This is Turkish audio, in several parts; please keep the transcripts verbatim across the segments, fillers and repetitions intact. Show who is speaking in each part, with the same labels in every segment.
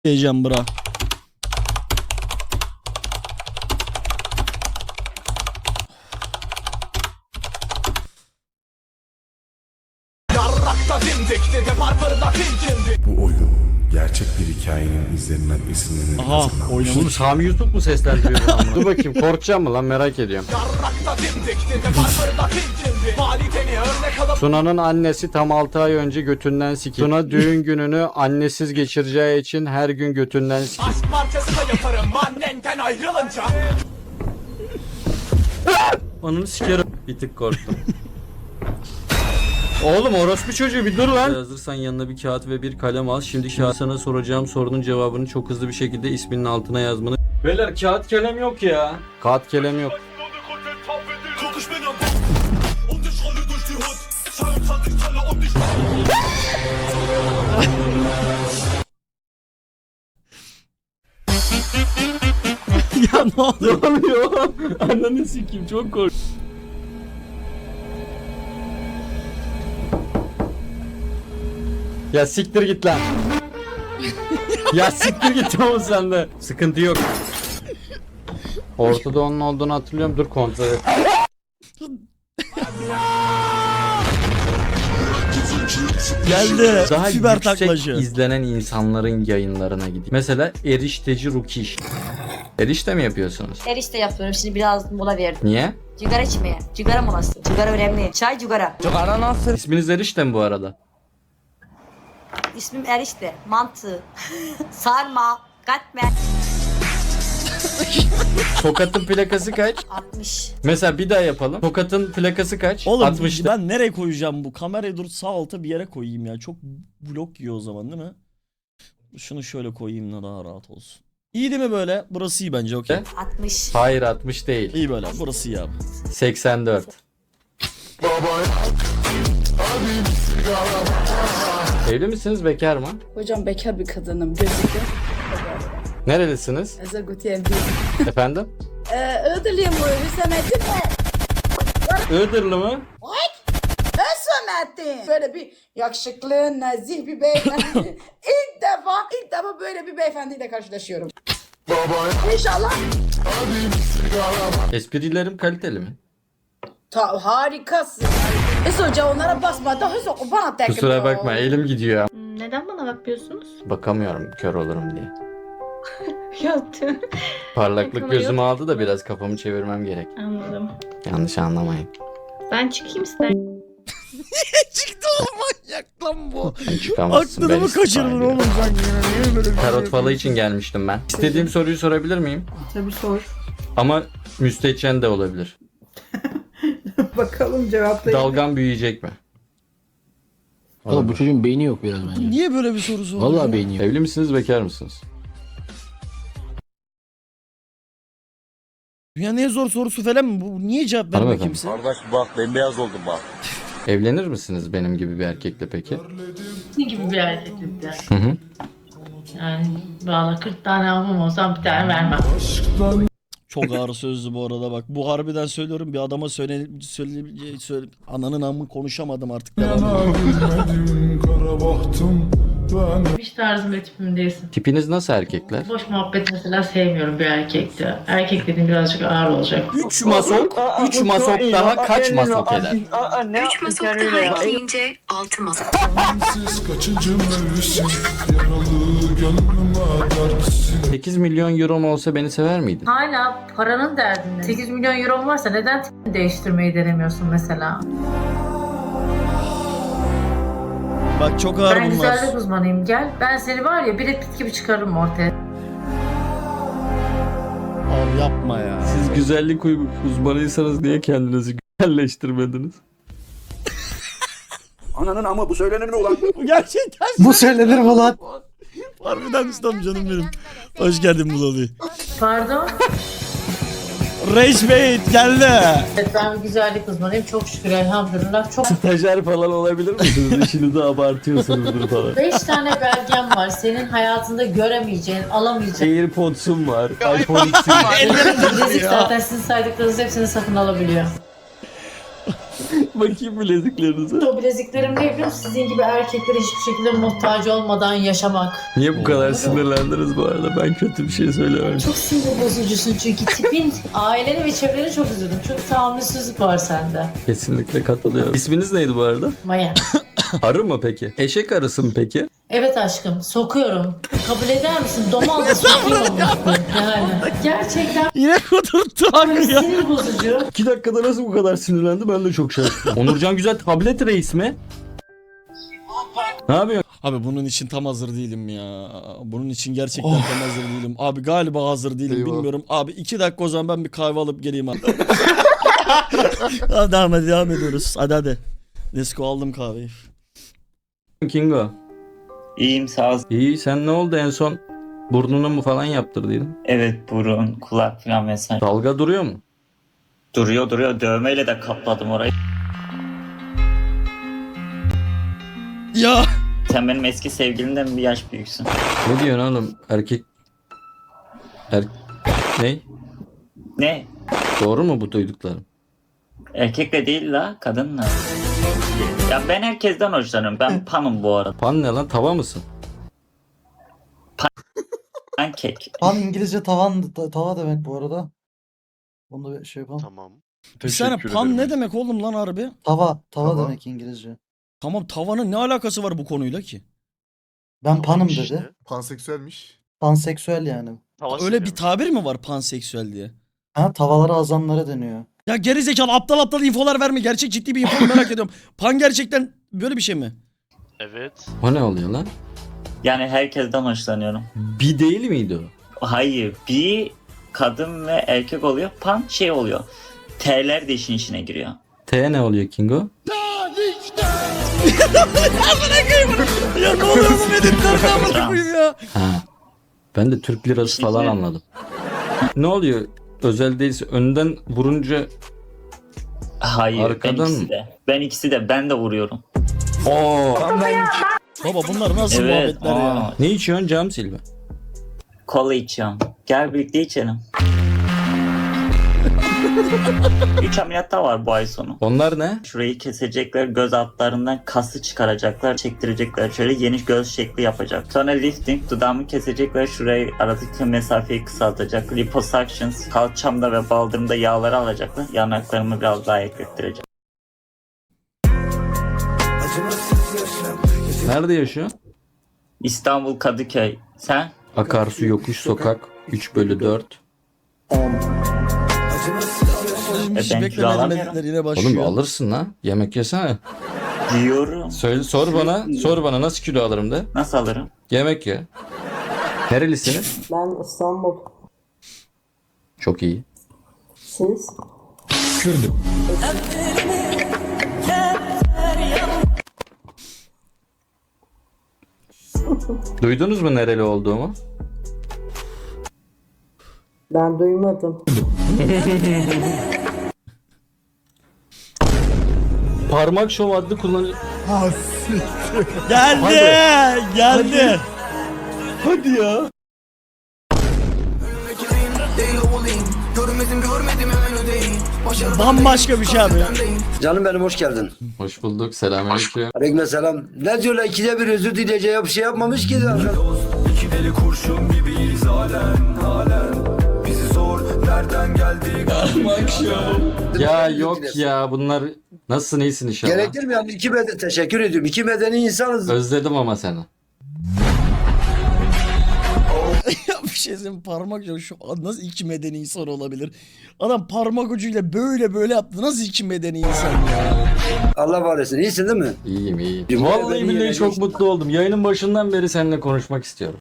Speaker 1: diyeceğim bra.
Speaker 2: Bu oyun gerçek bir hikayenin izlerinden esinlenerek
Speaker 1: Aha
Speaker 2: hazırlanmış.
Speaker 1: oynamış.
Speaker 3: Bunu Sami Yusuf mu seslendiriyor? Dur bakayım, korkacağım mı lan, merak ediyorum. Suna'nın annesi tam altı ay önce götünden sikildi. Suna düğün gününü annesiz geçireceği için her gün götünden sikildi.
Speaker 4: Aşk parçası da yaparım annenden ayrılınca.
Speaker 3: Ananı sikerim. Bir tık korktum. Oğlum orospu çocuğu bir dur lan. Hazırsan yanına bir kağıt ve bir kalem al. Şimdi kağıt sana soracağım sorunun cevabını çok hızlı bir şekilde isminin altına yazmanı. Beyler kağıt kalem yok ya. Kağıt kalem yok.
Speaker 1: Ya ne oluyor?
Speaker 3: Ne oluyor? Ananı sikeyim, çok korktum. Ya siktir git lan. Ya siktir git oğlum sen de. Sıkıntı yok. Ortada onun olduğunu hatırlıyorum. Dur kontrol et.
Speaker 1: Geldi.
Speaker 3: Daha
Speaker 1: Fiber
Speaker 3: yüksek
Speaker 1: taklacı.
Speaker 3: izlenen insanların yayınlarına gideyim. Mesela erişteci Rukiş. Erişte mi yapıyorsunuz?
Speaker 5: Erişte yapıyorum. Şimdi biraz mola verdim.
Speaker 3: Niye?
Speaker 5: Cigara içmeye. Cigara molası. Cigara önemli. Çay cigara.
Speaker 3: İsminiz Erişte mi bu arada?
Speaker 5: İsmim Erişte. Mantı. Sarma. Katmer.
Speaker 3: Tokat'ın plakası kaç?
Speaker 5: altmış.
Speaker 3: Mesela bir daha yapalım. Tokat'ın plakası kaç?
Speaker 1: Oğlum
Speaker 3: altmıştı.
Speaker 1: ben nereye koyacağım bu? Kamerayı dur sağ alta bir yere koyayım ya. Çok blok yiyor o zaman değil mi? Şunu şöyle koyayım da daha rahat olsun. İyi değil mi böyle? Burası iyi bence okey.
Speaker 5: altmış.
Speaker 3: Hayır altmış değil.
Speaker 1: İyi böyle. Burası iyi abi.
Speaker 3: seksen dört. Evli misiniz, bekar mı?
Speaker 6: Hocam bekar bir kadınım gözüküyor.
Speaker 3: Nerelisiniz?
Speaker 6: Ezel Gutiyen
Speaker 3: Efendim?
Speaker 6: Ee, Iğdırlıyım bu Hüsamettin mi?
Speaker 3: Iğdırlı mı?
Speaker 6: Hüsamettin. Böyle bir yakışıklı, nazih bir beyefendi. ilk defa, ilk defa böyle bir beyefendiyle karşılaşıyorum. İnşallah.
Speaker 3: Esprilerim kaliteli mi?
Speaker 6: Ta, harikasın. Hüs hoca onlara basma da Hüs hoca bana tek.
Speaker 3: Kusura bakma, elim gidiyor.
Speaker 7: Neden bana bakmıyorsunuz?
Speaker 3: Bakamıyorum, kör olurum diye.
Speaker 7: Yaptım.
Speaker 3: Parlaklık
Speaker 7: Yakama
Speaker 3: gözümü
Speaker 7: yok.
Speaker 3: aldı da biraz kafamı çevirmem gerek.
Speaker 7: Anladım.
Speaker 3: Yanlış anlamayın.
Speaker 7: Ben çıkayım ister.
Speaker 1: Çıktı oğlum manyak lan bu.
Speaker 3: Çıkamazsın.
Speaker 1: Aklını
Speaker 3: ben
Speaker 1: mı kaçırdın
Speaker 3: istifa
Speaker 1: oğlum
Speaker 3: ediyorum.
Speaker 1: sen yine? Niye böyle bir şey
Speaker 3: Tarot falı
Speaker 1: yapıyorsun?
Speaker 3: için gelmiştim ben. İstediğim soruyu sorabilir miyim?
Speaker 6: Tabii sor.
Speaker 3: Ama müstehcen de olabilir.
Speaker 6: Bakalım cevaplayayım.
Speaker 3: Dalgam büyüyecek mi?
Speaker 8: Oğlum bu çocuğun beyni yok biraz bence.
Speaker 1: Niye böyle bir soru sordun?
Speaker 8: Vallahi beyni yok.
Speaker 3: Evli misiniz, bekar mısınız?
Speaker 1: Dünyanın en zor sorusu falan mı? Bu niye cevap vermiyor
Speaker 3: Hanımefendi.
Speaker 1: kimse?
Speaker 9: Kardeş bak bembeyaz oldum bak.
Speaker 3: Evlenir misiniz benim gibi bir erkekle peki?
Speaker 10: Ne gibi bir erkeklikte?
Speaker 3: Hı hı.
Speaker 10: Yani valla kırk tane almam olsam bir tane vermem.
Speaker 1: Çok ağır sözlü bu arada bak. Bu harbiden söylüyorum bir adama söyle söyle, söyle ananın amı konuşamadım artık. Devam.
Speaker 10: Hiç tarzım ve tipim değilsin.
Speaker 3: Tipiniz nasıl erkekler?
Speaker 10: Boş muhabbet mesela sevmiyorum bir erkekte. Erkek dediğim birazcık ağır olacak.
Speaker 3: üç masok, üç masok daha kaç masok eder?
Speaker 11: Üç masok daha ekleyince altı masok.
Speaker 3: sekiz milyon euro mu olsa beni sever miydin?
Speaker 10: Hala paranın derdinde. sekiz milyon euro varsa neden tipini değiştirmeyi denemiyorsun mesela?
Speaker 1: Bak çok ağır
Speaker 10: Ben
Speaker 1: bunlar.
Speaker 10: güzellik uzmanıyım gel. Ben seni var ya Brad Pitt gibi çıkarırım ortaya.
Speaker 1: Abi yapma ya.
Speaker 3: Siz güzellik uzmanıysanız niye kendinizi güzelleştirmediniz?
Speaker 9: Ananın ama bu söylenir mi ulan?
Speaker 1: Bu gerçekten.
Speaker 8: Bu söylenir mi lan?
Speaker 1: Harbiden ustam canım benim. Hoş geldin Bulali.
Speaker 10: Pardon?
Speaker 1: Rage Bait geldi.
Speaker 10: Evet ben bir güzellik uzmanıyım. Çok şükür elhamdülillah. Çok
Speaker 3: Stajyer falan olabilir misiniz? İşinizi abartıyorsunuzdur falan.
Speaker 10: Beş tane belgem var. Senin hayatında göremeyeceğin, alamayacağın.
Speaker 3: AirPods'um var. iPhone X'im var.
Speaker 10: Bilezik zaten sizin saydıklarınız hepsini satın alabiliyor.
Speaker 3: Bakayım bileziklerinize.
Speaker 10: O bileziklerim ne biliyor musun? Sizin gibi erkeklere hiçbir şekilde muhtaç olmadan yaşamak.
Speaker 3: Niye bu kadar sinirlendiniz bu arada? Ben kötü bir şey söylememişim.
Speaker 10: Çok sinir bozucusun çünkü tipin, aileni ve çevreni çok üzüldüm. Çok tahammülsüzlük var sende.
Speaker 3: Kesinlikle katılıyorum. İsminiz neydi bu arada?
Speaker 10: Maya.
Speaker 3: Arı mı peki? Eşek arısı mı peki?
Speaker 10: Evet aşkım, sokuyorum. Kabul eder misin? Domal da sokayım onu. Yani. Gerçekten
Speaker 1: Yine kudurttu abi ya.
Speaker 10: sinir bozucu.
Speaker 3: İki dakikada nasıl bu kadar sinirlendi ben de çok şaşırdım. Onurcan Güzel tablet reis mi? Ne yapıyorsun?
Speaker 1: Abi bunun için tam hazır değilim ya. Bunun için gerçekten tam hazır değilim. Abi galiba hazır değilim
Speaker 8: Eyvah.
Speaker 1: bilmiyorum. Abi iki dakika o zaman ben bir kahve alıp geleyim abi. Hadi devam, devam ediyoruz. Hadi hadi. Let's go, aldım kahveyi.
Speaker 3: Kingo.
Speaker 12: İyiyim sağ ol.
Speaker 3: İyi sen ne oldu en son? Burnunu mu falan yaptırdıydın?
Speaker 12: Evet burun, kulak falan vesaire.
Speaker 3: Dalga duruyor mu?
Speaker 12: Duruyor duruyor. Dövmeyle de kapladım orayı.
Speaker 1: Ya.
Speaker 12: Sen benim eski sevgilimden bir yaş büyüksün.
Speaker 3: Ne diyorsun oğlum? Erkek... Er... Ne?
Speaker 12: Ne?
Speaker 3: Doğru mu bu duyduklarım?
Speaker 12: Erkekle değil la, kadınla. Ya ben herkesten hoşlanıyorum. Ben panım bu arada.
Speaker 3: Pan ne lan? Tava mısın?
Speaker 12: Pankek.
Speaker 8: Pan İngilizce tavan tava demek bu arada. Onu da bir şey yapalım.
Speaker 9: Tamam.
Speaker 1: Bir saniye, pan ne demek oğlum lan harbi?
Speaker 8: Tava, tava
Speaker 9: Tava.
Speaker 8: demek İngilizce.
Speaker 1: Tamam, tavanın ne alakası var bu konuyla ki?
Speaker 8: Ben panım dedi.
Speaker 9: Panseksüelmiş.
Speaker 8: Panseksüel yani.
Speaker 1: Öyle bir tabir mi var panseksüel diye?
Speaker 8: Ha, tavalara azanlara deniyor.
Speaker 1: Ya gerizekalı, aptal aptal infolar verme. Gerçek ciddi bir info merak ediyorum. Pan gerçekten böyle bir şey mi?
Speaker 9: Evet.
Speaker 3: O ne oluyor lan?
Speaker 12: Yani herkesten hoşlanıyorum.
Speaker 3: Bir değil miydi o?
Speaker 12: Hayır. Bir kadın ve erkek oluyor. Pan şey oluyor. T'ler de işin içine giriyor.
Speaker 3: T ne oluyor Kingo?
Speaker 1: Ya ne oluyor bu medetlerden amına koyayım ya?
Speaker 3: Ha. Ben de Türk lirası falan anladım. Ne oluyor? Özel değilse önden vurunca
Speaker 12: Hayır.
Speaker 3: Arkadan
Speaker 12: ben ikisi
Speaker 3: mı?
Speaker 12: de. Ben ikisi de. Ben de vuruyorum.
Speaker 3: Oo.
Speaker 1: Baba bunlar nasıl
Speaker 12: Evet.
Speaker 1: muhabbetler ya?
Speaker 12: aa.
Speaker 3: Ne içiyorsun cam silme?
Speaker 12: Kola içiyorum. Gel birlikte içelim. Üç ameliyat daha var bu ay sonu.
Speaker 3: Onlar ne?
Speaker 12: Şurayı kesecekler, göz altlarından kası çıkaracaklar, çektirecekler, şöyle yeni göz şekli yapacak. Sonra lifting, dudağımı kesecekler, şurayı aradaki mesafeyi kısaltacak. Liposuctions, kalçamda ve baldırımda yağları alacaklar. Yanaklarımı biraz daha eklettirecek.
Speaker 3: Nerede yaşıyor?
Speaker 12: İstanbul Kadıköy. Sen?
Speaker 3: Akarsu yokuş sokak üç bölü dört.
Speaker 1: Hiç
Speaker 12: E ben kilo
Speaker 1: beklemedim,
Speaker 12: alamıyorum.
Speaker 1: medetler yine başlıyor.
Speaker 3: Oğlum alırsın lan. Yemek yesene.
Speaker 12: Diyorum.
Speaker 3: Söyle, sor bana. Sor bana nasıl kilo alırım de.
Speaker 12: Nasıl alırım?
Speaker 3: Yemek ye. Nerelisiniz?
Speaker 6: Ben İstanbul.
Speaker 3: Çok iyi.
Speaker 6: Siz?
Speaker 3: Kürdüm. Duydunuz mu nereli olduğumu?
Speaker 6: Ben duymadım.
Speaker 3: Parmak şov adlı kullanıcı...
Speaker 1: Geldi, geldi.
Speaker 3: Hadi ya.
Speaker 1: Bambaşka bir şey abi.
Speaker 8: Canım benim hoş geldin.
Speaker 3: Hoş bulduk. Selamünaleyküm.
Speaker 8: Aleykümselam. Ne diyorlar, ikide bir özür dileyeceği bir şey yapmamış ki zaten.
Speaker 4: İki deli kurşun gibiyiz halen halen. Bizi sor nereden geldik.
Speaker 3: Ya yok ya bunlar nasılsın iyisin inşallah.
Speaker 8: Gerekir mi yani? İki meden teşekkür ediyorum. İki medeni insanız.
Speaker 3: Özledim ama seni.
Speaker 1: Ya bir şey söyleyeyim, parmak ucu şu nasıl iki medeni insan olabilir? Adam parmak ucuyla böyle böyle yaptı. Nasıl iki medeni insan ya?
Speaker 8: Allah var etsin. İyisin değil mi?
Speaker 3: İyiyim iyiyim.
Speaker 8: Cumhur
Speaker 3: Vallahi
Speaker 8: beni
Speaker 3: billahi
Speaker 8: yine
Speaker 3: çok
Speaker 8: geçti.
Speaker 3: mutlu oldum. Yayının başından beri seninle konuşmak istiyorum.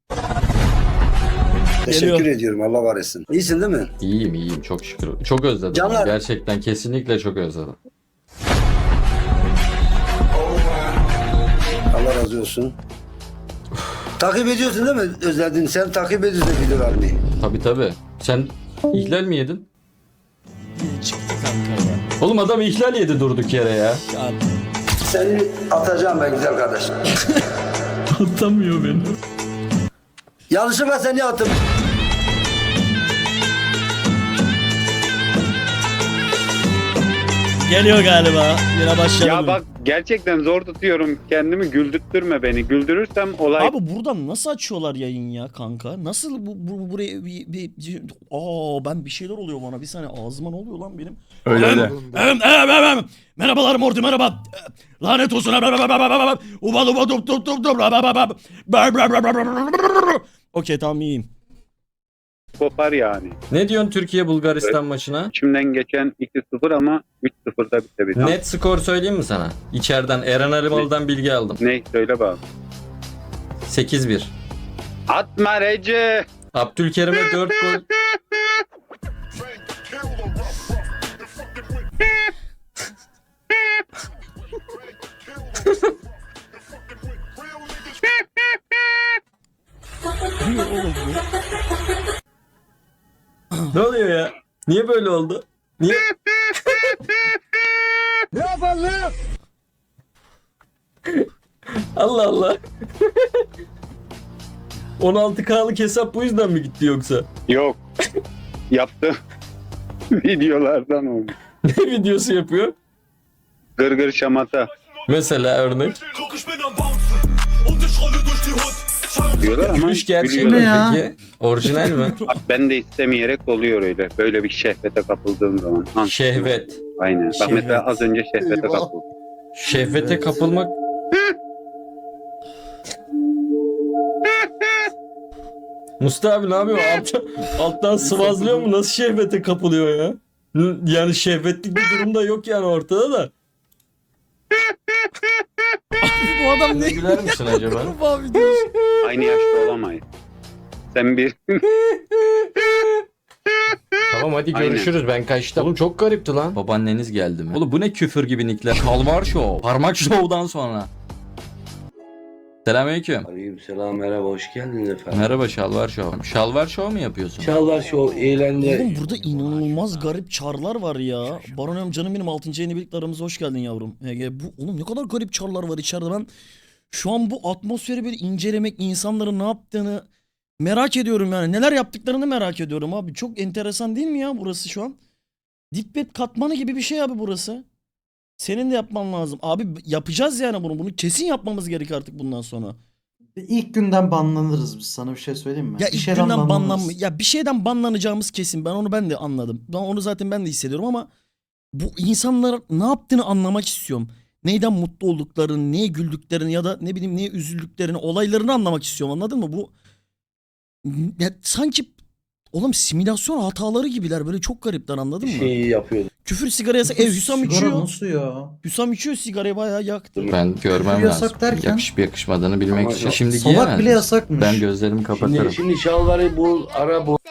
Speaker 8: Teşekkür
Speaker 1: Geliyor.
Speaker 8: ediyorum. Allah var etsin. İyisin değil mi?
Speaker 3: İyiyim iyiyim çok şükür. Çok özledim.
Speaker 8: Canlar.
Speaker 3: Gerçekten kesinlikle çok özledim.
Speaker 8: Allah razı olsun. Takip ediyorsun değil mi? Özledin. Sen takip ediyorsun videolarını.
Speaker 3: Tabi tabi. Sen ihlal mi yedin?
Speaker 1: Çıktı kanka ya.
Speaker 3: Oğlum adam ihlal yedi durduk yere ya.
Speaker 1: Ya
Speaker 8: Seni atacağım ben güzel kardeşim.
Speaker 3: Atamıyor beni.
Speaker 8: Yanlışlıkla seni attım.
Speaker 1: Geliyor galiba. Yine başladı.
Speaker 9: Ya bak gerçekten zor tutuyorum kendimi, güldürtme beni. Güldürürsem olay.
Speaker 1: Abi buradan nasıl açıyorlar yayın ya kanka? Nasıl bu, bu buraya bir, bir, bir aa ben bir şeyler oluyor bana. Bir saniye ağzıma ne oluyor lan benim?
Speaker 9: Öyle öyle.
Speaker 1: Em, em, em, em. Merhabalar Morty merhaba. Lanet olsun. Uba uba dup dup dup dup. Okey tamam iyiyim.
Speaker 9: Kopar yani.
Speaker 3: Ne diyorsun Türkiye Bulgaristan maçına?
Speaker 9: İçimden geçen iki sıfır ama üç sıfırda bitebilir.
Speaker 3: Net skor söyleyeyim mi sana? İçeriden Eren Alimalı'dan bilgi aldım.
Speaker 9: Ne? Söyle bak.
Speaker 3: sekiz bir.
Speaker 9: Atma Recep.
Speaker 3: Abdülkerim'e dört gol. Ne oluyor ya? Niye böyle oldu? Niye?
Speaker 8: Ne yapalım?
Speaker 3: Allah Allah. on altı K'lık hesap bu yüzden mi gitti yoksa?
Speaker 9: Yok. Yaptım. Videolardan oldu.
Speaker 3: Ne videosu yapıyor?
Speaker 9: Gırgır şamata.
Speaker 3: Mesela örnek.
Speaker 9: Diyorlar ama
Speaker 3: Gülüş gerçek
Speaker 9: gülüyorlar.
Speaker 3: mi peki? Orijinal mi?
Speaker 9: Bak, ben de istemeyerek oluyor öyle. Böyle bir şehvete kapıldığım zaman. Ha,
Speaker 3: Şehvet.
Speaker 9: Aynen. Bak
Speaker 1: Şehvet.
Speaker 9: mesela az önce şehvete
Speaker 8: Eyvah.
Speaker 9: kapıldım.
Speaker 3: Şehvete kapılmak. Mustafa abi ne yapıyor? Alttan, alttan sıvazlıyor mu? Nasıl şehvete kapılıyor ya? N- Yani şehvetlik bir durum da yok yani ortada da.
Speaker 1: Bu adam ne?
Speaker 3: Güler misin acaba?
Speaker 1: Abi videosu.
Speaker 9: Aynı yaşta olamayız. Sen bir...
Speaker 3: Tamam hadi
Speaker 9: Aynen.
Speaker 3: görüşürüz ben kaçtım. Oğlum çok garipti lan. Babaanneniz geldi mi? Oğlum bu ne küfür gibi nickler. Kalvar Show. Parmak Show'dan sonra. Selamünaleyküm.
Speaker 8: Aleyküm selam merhaba hoş geldiniz efendim.
Speaker 3: Merhaba Şalvar Show. Şalvar Show mu yapıyorsun?
Speaker 8: Çağlar Show eğlence.
Speaker 1: Oğlum burada inanılmaz garip çarlar var ya. Baron canım benim altıncı yeni birlikte aramıza hoş geldin yavrum. Ege, bu oğlum ne kadar garip çarlar var içeride. Ben şu an bu atmosferi bir incelemek, insanların ne yaptığını merak ediyorum yani. Neler yaptıklarını merak ediyorum abi. Çok enteresan değil mi ya burası şu an? Dipbet katmanı gibi bir şey abi burası. Senin de yapman lazım. Abi yapacağız yani bunu. Bunu kesin yapmamız gerek artık bundan sonra.
Speaker 13: İlk günden banlanırız biz, sana bir şey söyleyeyim mi?
Speaker 1: Ya
Speaker 13: Bir
Speaker 1: ilk
Speaker 13: şeyden
Speaker 1: günden
Speaker 13: banlanırız.
Speaker 1: banlanma. Ya bir şeyden banlanacağımız kesin. Ben onu ben de anladım. Ben onu zaten ben de hissediyorum ama bu insanlar ne yaptığını anlamak istiyorum. Neyden mutlu olduklarını, neye güldüklerini ya da ne bileyim neye üzüldüklerini, olaylarını anlamak istiyorum. Anladın mı? Bu ya sanki oğlum simülasyon hataları gibiler. Böyle çok garipler, anladın mı?
Speaker 8: Şeyi yapıyordum.
Speaker 1: Küfür sigara yasak. Ev Hüsam
Speaker 13: Sigara
Speaker 1: içiyor.
Speaker 13: nasıl ya?
Speaker 1: Hüsam içiyor, sigarayı bayağı yaktı.
Speaker 3: Ben görmem
Speaker 13: Küfür yasak
Speaker 3: lazım.
Speaker 13: derken?
Speaker 3: Yakışıp yakışmadığını bilmek
Speaker 8: Ama
Speaker 3: için.
Speaker 8: yok.
Speaker 3: Şimdi
Speaker 13: Salak
Speaker 3: giyemez
Speaker 13: bile
Speaker 3: misin?
Speaker 13: yasakmış.
Speaker 3: Ben gözlerimi kapatırım.
Speaker 8: Şimdi, şimdi şalvarı bul ara bul.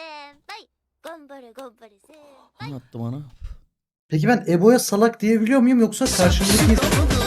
Speaker 1: Anlattı bana.
Speaker 13: Peki ben Ebo'ya salak diyebiliyor muyum yoksa karşımdaki insan...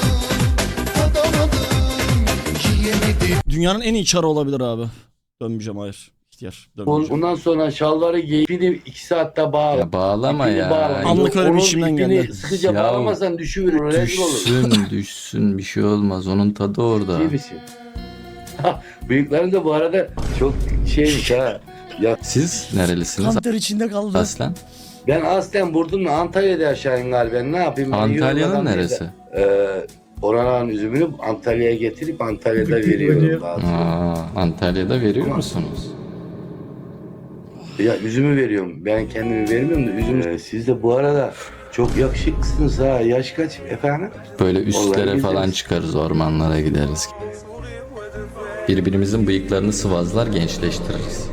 Speaker 1: Dünyanın en iyi çarı olabilir abi. Dönmeyeceğim, hayır. İhtiyar.
Speaker 8: Bul.
Speaker 1: Dönmeyeceğim.
Speaker 8: Ondan sonra şalvarı giy. İpini iki saatte bağla.
Speaker 3: Ya bağlama
Speaker 8: İpini
Speaker 3: ya.
Speaker 8: bağla.
Speaker 1: Anlık öyle bir
Speaker 8: Onun
Speaker 1: işimden
Speaker 8: ipini
Speaker 1: geldi.
Speaker 8: sıkıca
Speaker 3: Ya
Speaker 8: bağlamazsan düşüverir. Rezil olur.
Speaker 3: Düşsün düşsün bir şey olmaz. Onun tadı orada.
Speaker 8: İyi misin? Büyüklerin de bu arada çok şeymiş ha. Ya
Speaker 3: Siz nerelisiniz
Speaker 1: Kanter içinde kaldı.
Speaker 3: aslen?
Speaker 8: ben aslen Burdun'la Antalya'da yaşayayım galiba. Ne yapayım? Ben
Speaker 3: Antalya'nın
Speaker 8: yorulmadan
Speaker 3: neresi?
Speaker 8: değil de, Ee, oranın üzümünü Antalya'ya getirip Antalya'da veriyorum daha sonra.
Speaker 3: Aa, Antalya'da veriyor musunuz?
Speaker 8: Ya üzümü veriyorum. Ben kendimi vermiyorum da üzüm. Ee, siz de bu arada çok yakışıklısınız ha. Yaş kaç efendim?
Speaker 3: Böyle üstlere
Speaker 8: Vallahi
Speaker 3: falan
Speaker 8: biliriz.
Speaker 3: çıkarız, ormanlara gideriz. Birbirimizin bıyıklarını sıvazlar, gençleştiririz.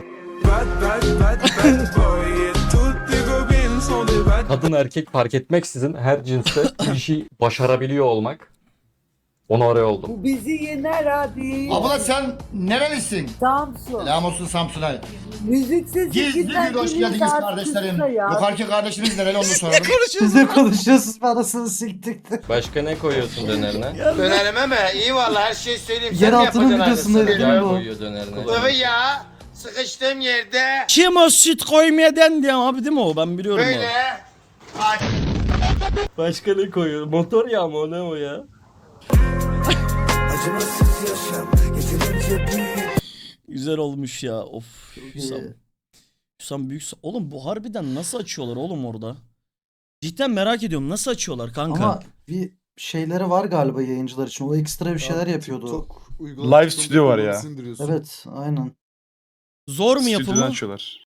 Speaker 3: Kadın erkek fark etmeksizin her cinste bir işi başarabiliyor olmak. Onu oraya oldum.
Speaker 6: Bu bizi yener abi.
Speaker 13: Abla sen nerelisin?
Speaker 6: Samsun.
Speaker 13: Selam olsun Samsun'a.
Speaker 6: Müziksiz
Speaker 13: Gizli
Speaker 6: gitmez
Speaker 13: bir hoş
Speaker 6: bir
Speaker 13: geldiniz
Speaker 6: saat
Speaker 13: kardeşlerim.
Speaker 6: kısa ya.
Speaker 13: Yukarıki kardeşimiz nereli onu soralım. Siz ne konuşuyorsunuz, parasını siktik.
Speaker 3: Başka ne koyuyorsun dönerine?
Speaker 8: Dönerime mi? İyi vallahi her şeyi söyleyeyim.
Speaker 13: Yer altının videosunda dedim
Speaker 3: Yağ
Speaker 13: bu.
Speaker 3: koyuyor dönerine.
Speaker 8: ya. Sıkıştığım yerde
Speaker 1: Kim o süt koymaya dendi abi, değil mi o? Ben biliyorum o.
Speaker 3: Başka ne koyuyor? Motor yağı mı o, ne o ya?
Speaker 1: Güzel olmuş ya. Of. Hüsam. Hüsam büyük. Oğlum bu harbiden nasıl açıyorlar oğlum orada? Cidden merak ediyorum nasıl açıyorlar kanka?
Speaker 13: Ama bir şeyleri var galiba yayıncılar için. O ekstra bir şeyler yapıyordu.
Speaker 2: Live stüdyo var ya.
Speaker 13: Evet, aynen.
Speaker 1: Zor mu
Speaker 2: Stüdyodan
Speaker 1: yapımı?
Speaker 2: açıyorlar.